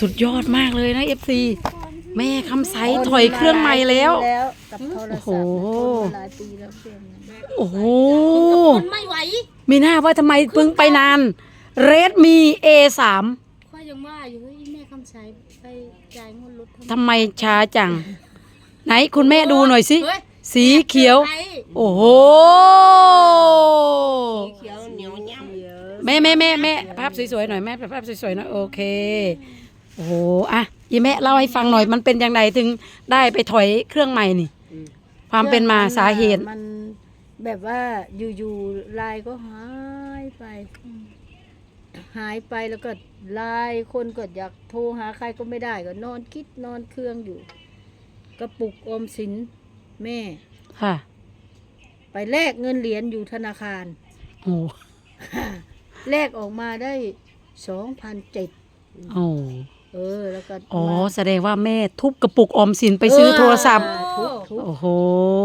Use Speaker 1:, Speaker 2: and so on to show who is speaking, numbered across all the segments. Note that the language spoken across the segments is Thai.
Speaker 1: สุดยอดมากเลยนะ FC แม่คำใสถอยเครื่องใหม่แล้ว
Speaker 2: กับโทร
Speaker 1: โอ้โห
Speaker 2: ศัพท์หลายปีแล้วเครื่องนั้น
Speaker 1: โอ้โห
Speaker 3: คนไม่ไหว
Speaker 1: มีหน้าว่าทำไมเพิ่งไปนานเรดมี A3
Speaker 3: ค่อยยังว่าอยู่เฮ้ยแม่คำใช้ไปจ่ายงวดรถ
Speaker 1: ทำไมช้าจัง ไหนคุณแม่ดูหน่อยสิ
Speaker 3: เฮ้ย
Speaker 1: สีเขียว
Speaker 3: ใคร
Speaker 1: โอ้โห
Speaker 4: เขียวเหนียวย่ำ
Speaker 1: แม่ภาพสวยๆหน่อยแม่ภาพสวยๆหน่อยโอเคโอ้โหอ่ะอีแม่เล่าให้ฟังหน่อยมันเป็นยังไงถึงได้ไปถอยเครื่องใหม่นี่ ความเป็นมาสาเหตุ
Speaker 2: มันแบบว่าอยู่ๆไลน์ก็หายไป หายไปแล้วก็ไลน์คนก็อยากโทรหาใครก็ไม่ได้ก็นอนคิดนอนเครื่องอยู่ กระปุกออมสินแม่
Speaker 1: ค่ะ
Speaker 2: ไปแลกเงินเหรียญอยู่ธนาคาร
Speaker 1: โอ้
Speaker 2: แลกออกมาได้2,700
Speaker 1: โอ้
Speaker 2: แล้วก็
Speaker 1: อ๋อ
Speaker 2: มา
Speaker 1: แสดงว่าแม่ทุบกระปุกออมสินไปซื้อโทรศัพท์
Speaker 2: ทุก
Speaker 1: โอ้โห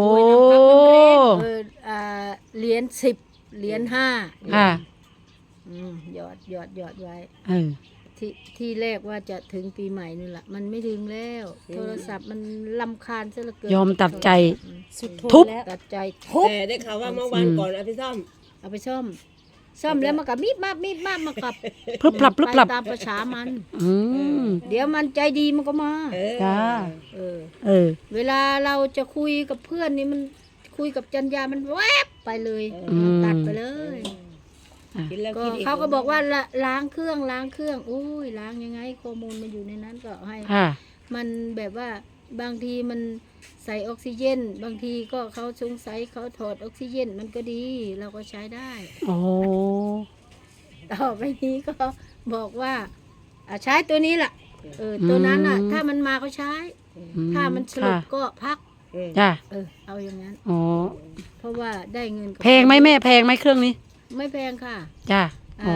Speaker 2: เหรียญ10 เหรียญ5
Speaker 1: ค่ะ
Speaker 2: หยอดไว้
Speaker 1: เออ
Speaker 2: ที่แรกว่าจะถึงปีใหม่นี่แหละมันไม่ถึงแล้ว โทรศัพท์มันลำคาญซะเหลือเกิน
Speaker 1: ยอมตัดใจ
Speaker 3: สุด
Speaker 1: ทุบ
Speaker 2: ตัดใจทุบ
Speaker 4: แต่ได้ข่าวว่าเมื่อวานก่อนเอาไปซ่อม
Speaker 2: เอาไปซ่อมแล้วมันก็มีดมามันกับ
Speaker 1: พรึบพลับ
Speaker 2: ไปตามประชามัน
Speaker 1: อืม
Speaker 2: เดี๋ยวมันใจดีมันก็มา
Speaker 1: จ้า
Speaker 2: เออ
Speaker 1: เออ
Speaker 2: เวลาเราจะคุยกับเพื่อนนี่มันคุยกับจันยามันแวบไปเลย ตัดไปเลย
Speaker 4: กินแล้ว
Speaker 2: ก็
Speaker 4: กินอีก
Speaker 2: เขาก็บอกว่าล้างเครื่องอุ้ยล้างยังไงข้อมูลมันอยู่ในนั้นก็ให้
Speaker 1: ค่ะ
Speaker 2: มันแบบว่าบางทีมันใส่ออกซิเจน บางทีก็เขาสงสัยเขาถอดออกซิเจนมันก็ดี เราก็ใช้ได้
Speaker 1: โอ้
Speaker 2: ต่อไปนี้ก็บอกว่าใช้ตัวนี้ล่ะตัวนั้นอ่ะ ถ้ามันมาก็ใช้ ถ้ามันสรุปก็พัก
Speaker 1: จ้า
Speaker 2: เอาอย่างนั้น
Speaker 1: อ๋อ
Speaker 2: เพราะว่าได้เงินกับ
Speaker 1: แพงไหมแม่แพงไหมเครื่องนี้
Speaker 2: ไม่แพงค่ะ
Speaker 1: จ้าอ๋อ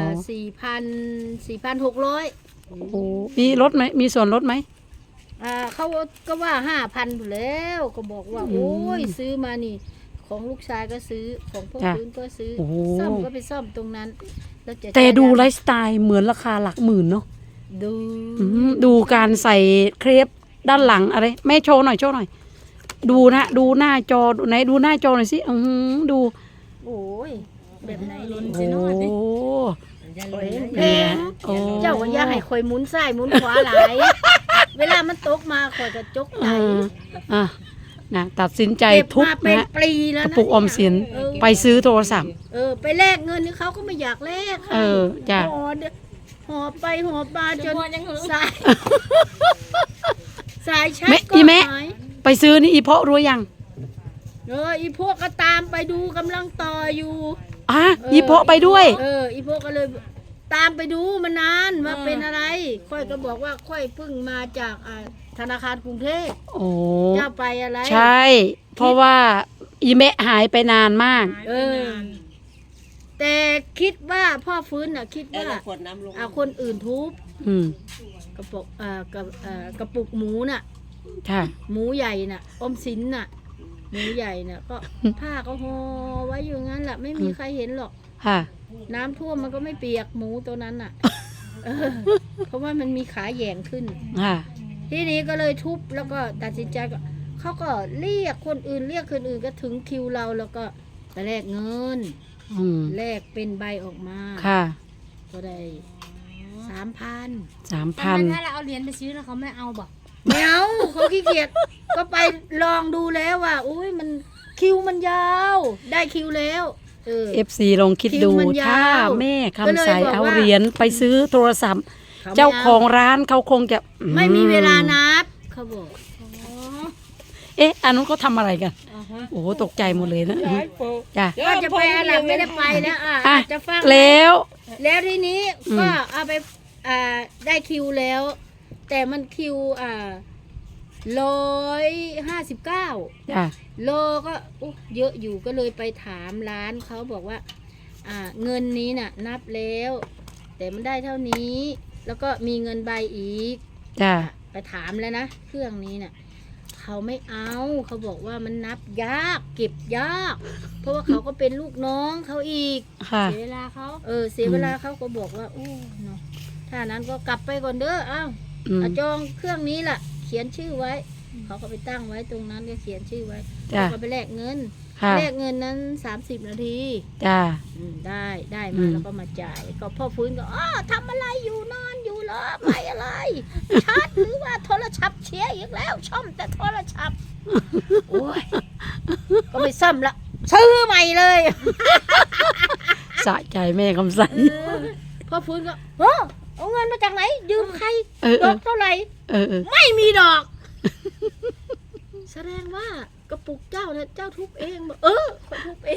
Speaker 2: 4,600
Speaker 1: โอ้โหมีลดไหมมีส่วนลดไหม
Speaker 2: เขาก็ว่า5,000อยู่แล้วก็บอกว่า โอ้ยซื้อมานี่ ของลูกชายก็ซื้อของพ่อพื้นก็ซื้อ
Speaker 1: โอ้โห
Speaker 2: ซ่อมก็ไปซ่อมตรงนั้นแล้วจะ
Speaker 1: แต่ดู
Speaker 2: ใช้
Speaker 1: ไลฟ์สไตล์เหมือนราคาหลักหมื่นเนาะ
Speaker 2: ดู
Speaker 1: ดูการใส่เครปด้านหลังอะไรแม่โชว์หน่อยดูนะดูหน้าจอไหนดูหน้าจอหน่อยสิดู
Speaker 2: โอ้ยแบบไหน
Speaker 3: ลุ้น
Speaker 1: โอ้
Speaker 3: สิโน่นดิ
Speaker 2: แพง
Speaker 1: โอ้
Speaker 2: เจ้าก็อย่าให้คอยหมุนซ้ายหมุนขวาหลาย เวลามันตกมาคอยก็จกไหล
Speaker 1: อ่ะนะตัดสินใจ
Speaker 2: เก็บ
Speaker 1: ทุบ
Speaker 2: มาเป็น
Speaker 1: นะ
Speaker 2: ปีแล้ว
Speaker 1: กระ
Speaker 2: นะ
Speaker 1: ปุกออมสินไปซื้อโทรศัพท์
Speaker 2: ไปแลกเงินนี่เขาก็ไม่อยากแลก
Speaker 1: เออจ้ะ
Speaker 2: หอบไปหอบมาจน
Speaker 3: มัวยังหือ
Speaker 2: สายชัด
Speaker 1: แม่
Speaker 2: ก็
Speaker 1: อีแม่
Speaker 2: หาย
Speaker 1: ไปซื้อนี่อีเพาะรู้ยัง
Speaker 2: อีพวกก็ตามไปดูกำลังต่ออยู่
Speaker 1: อีเพาะไปด้วย
Speaker 2: อีพวกก็เลยตามไปดูมานานว่าเป็นอะไร ค่อยก็บอกว่าค่อยเพิ่งมาจากธนาคารกรุงเทพ
Speaker 1: โอ้
Speaker 2: เจ้าไปอะไร
Speaker 1: ใช่ เพราะว่าอีแม่หายไปนานมาก
Speaker 2: แต่คิดว่าพ่อฟื้นน่ะคิด
Speaker 4: แล้ว
Speaker 2: ว่า
Speaker 4: เราขวดน้ำลง
Speaker 2: คนอื่นทุบ
Speaker 1: อืม
Speaker 2: กระปุกกระปุกหมูน่ะ
Speaker 1: ค่ะ
Speaker 2: หมูใหญ่น่ะอมสินน่ะ หมูใหญ่น่ะ ก็ผ้าก็ห่อไว้อยู่งั้นแหละไม่มีใครเห็นหรอก
Speaker 1: ค่ะ
Speaker 2: น้ำท่วมมันก็ไม่เปียกหมูตัวนั้นน่ะ เพราะว่ามันมีขาแหย่งขึ้น
Speaker 1: ค่ะ
Speaker 2: ทีนี้ก็เลยทุบแล้วก็ตัดสินใจก็เขาก็เรียกคนอื่นก็ถึงคิวเราแล้วก็ไปแลกเงิน
Speaker 1: อืม
Speaker 2: แลกเป็นใบออกมา
Speaker 1: ค่ะ
Speaker 2: ก็ได้3,000
Speaker 1: 3,000
Speaker 3: ถ้าเราเอาเหรียญไปซื้อแล้วเขาไม่เอาบอก
Speaker 2: ไม่เอาเขาขี้เกียจก็ไปลองดูแล้วว่าอุ้ยมันคิวมันยาว ได้คิวแล้ว
Speaker 1: FC ลองคิดดู
Speaker 2: คิวมันยาว
Speaker 1: ถ้าแม่คำใส
Speaker 2: ก็เลยบอก
Speaker 1: เอา
Speaker 2: ว่า
Speaker 1: เหรียญไปซื้อโทรศัพท์
Speaker 2: ขไม่
Speaker 1: เจ้าของร้านเขาคงจะ
Speaker 2: ไม่มีเวลานับเขาบอก
Speaker 1: อันนู้นเขาทำอะไรกัน โอ้โหตกใจหมดเลยนะจ้ะ
Speaker 2: ว่าจะไปอาหลับไม่ได้ไปแล้วจะฟัง
Speaker 1: แล้ว
Speaker 2: ทีนี้ก็เอาไปได้คิวแล้ว แต่มันคิว159
Speaker 1: จ้ะ
Speaker 2: โลก็เยอะอยู่ก็เลยไปถามร้านเขาบอกว่าเงินนี้น่ะนับแล้ว แต่มันได้เท่านี้ แล้วก็มีเงินใบอีก
Speaker 1: จ้ะ
Speaker 2: ไปถามแล้วนะเครื่องนี้น่ะเขาไม่เอาเขาบอกว่ามันนับยากเก็บยาก เพราะว่าเขาก็เป็นลูกน้องเขาอีก
Speaker 1: ค่ะ
Speaker 3: เสียเวลาเขา
Speaker 2: เสียเวลาเขาก็บอกว่าโอ้เนาะถ้านั้นก็กลับไปก่อนเด้ออ้าว
Speaker 1: อืม
Speaker 2: จองเครื่องนี้ล่ะ เขียนชื่อไว้ เขาก็ไปตั้งไว้ตรงนั้นก็เขียนชื่อไว้
Speaker 1: จ้ะ
Speaker 2: เขาก็ไปแลกเงิน
Speaker 1: ค่ะ
Speaker 2: แลกเงินนั้น30 นาที
Speaker 1: จ้า
Speaker 2: ได้
Speaker 1: อื
Speaker 2: มาม แล้วก็มาจ่าย ก็พ่อฟื้นก็ทำอะไรอยู่นอนอยู่เหรอไม่อะไรชาร์จหรือว่าโทรศัพท์เชียอีกแล้วช่อมแต่โทรศัพท์โอ้ยก็ไม่ซ่อมละซื้อใหม่เลย
Speaker 1: สะใจแม่คำใส
Speaker 2: พ่อฟื้นก็เอาเงินมาจากไหน ยืมใคร
Speaker 1: เออ
Speaker 2: ดอกเท่าไหร่
Speaker 1: เออ
Speaker 2: ไม่มีดอก แสดงว่ากระปุกเจ้าเนี่ยเจ้าทุบเองบอกคนทุบเอง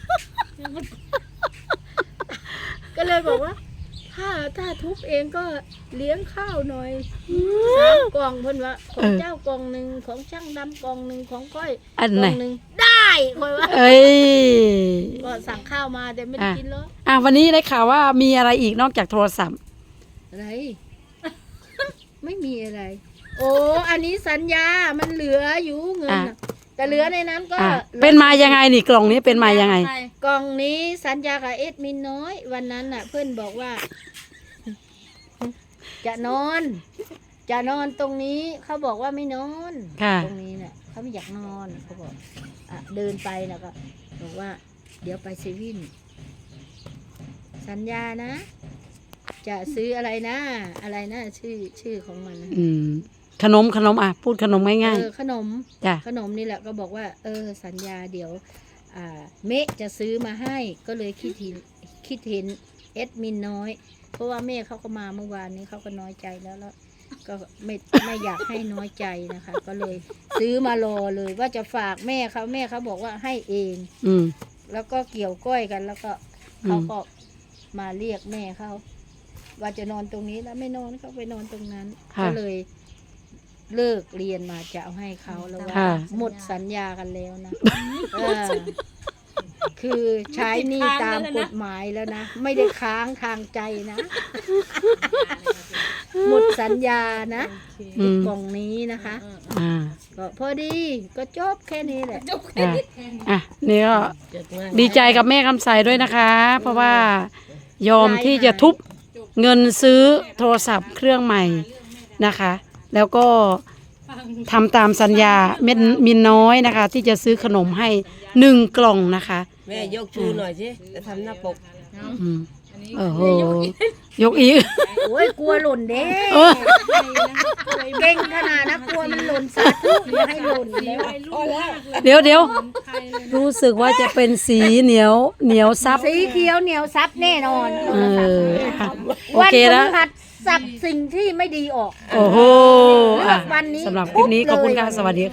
Speaker 2: ก็เลยบอกว่า ถ้าทุบเองก็เลี้ยงข้าวหน่อย3 กล่องเพิ่นว่าของเจ้ากล่องหนึ่งของช่างดำกล่องหนึ่งของก้อย
Speaker 1: อัน
Speaker 2: ก
Speaker 1: ไหน
Speaker 2: ล่องหนึ่งได้คอยว่า
Speaker 1: เอ้ย
Speaker 2: ก็สั่งข้าวมาแต่ไม่ได้กินหรอก
Speaker 1: วันนี้ได้ข่าวว่ามีอะไรอีกนอกจากโทรศัพท์
Speaker 2: อะไร ไม่มีอะไร โอ้อันนี้สัญญามันเหลืออยู่เงินน่ะแต่เหลือในนั้นก็
Speaker 1: เป็นมายังไงนี่กล่องนี้เป็นมายังไง
Speaker 2: กล่องนี้สัญญากับเอ็ดมินน้อย วันนั้นน่ะ เพื่อนบอกว่า จะนอนตรงนี้เขาบอกว่าไม่นอน
Speaker 1: ค่ะ
Speaker 2: ตรงนี้เนี่ยเขาไม่อยากนอนเขาบอกเดินไปแล้วก็บอกว่า เดี๋ยวไปเซเว่นสัญญานะ จะซื้ออะไรนะชื่อของมันนะ
Speaker 1: อืมขนมพูดขนมง่าย
Speaker 2: ขนม
Speaker 1: ๆจ้ะ
Speaker 2: ขนมนี่แหละก็บอกว่า สัญญาเดี๋ยวเมะจะซื้อมาให้ก็เลยคิดเห็นเอ็ดมินน้อย เพราะว่าแม่เขาก็มาเมื่อวานนี้เขาก็น้อยใจแล้วก็ไม่อยากให้น้อยใจนะคะ ก็เลยซื้อมารอเลยว่าจะฝากแม่เขาบอกว่าให้เอง
Speaker 1: อืม
Speaker 2: แล้วก็เกี่ยวก้อยกัน แล้วก็
Speaker 1: อืม
Speaker 2: เขาก็มาเรียกแม่เขาว่าจะนอนตรงนี้แล้วไม่นอนเขาไปนอนตรงนั้น
Speaker 1: ค่ะ
Speaker 2: ก็เลยเลิกเรียนมาจะเอาให้เขาแล้วว่า
Speaker 1: ค่ะ
Speaker 2: หมดสัญญากันแล้วนะคือใช้หนี่ตามกฎหมายแล้วนะไม่ได้ค้างทางใจนะ หมดสัญญานะ
Speaker 1: อืม
Speaker 2: กล่องนี้นะคะ
Speaker 1: อ่า
Speaker 2: ก็พอดีก็จบแค่นี้แหละ
Speaker 1: นี่ก็ดีใจกับแม่คำใสด้วยนะคะ เพราะว่ายอมที่จะทุบเงินซื้อโทรศัพท์เครื่องใหม่นะคะ แล้วก็ทำตามสัญญาเม็ดมินน้อยนะคะ ที่จะซื้อขนมให้1 กล่องนะคะ
Speaker 4: แม่ยกชูหน่อยสิจะทำหน้าปก
Speaker 1: อืมโอ้โหยกอีก
Speaker 2: โอ้ยกลัวหล่นเด้
Speaker 1: เออ
Speaker 2: เก่งขนาดนะกลัวมันหล่นสาธุอย่าให้หล่นแล้ว
Speaker 1: เดี๋ยวรู้สึกว่าจะเป็นสีเหนียวซับ
Speaker 2: สีเขียวเหนียวซับแน่นอน
Speaker 1: เอออ่ะโอ
Speaker 2: วัน
Speaker 1: เค
Speaker 2: พ
Speaker 1: แล้ว
Speaker 2: ฤหัสสับสิ่งที่ไม่ดีออก
Speaker 1: โอ้โหอ่ะ
Speaker 2: วันนี้
Speaker 1: สำหรับคลิปนี้ขอบคุณค่ะ สวัสดี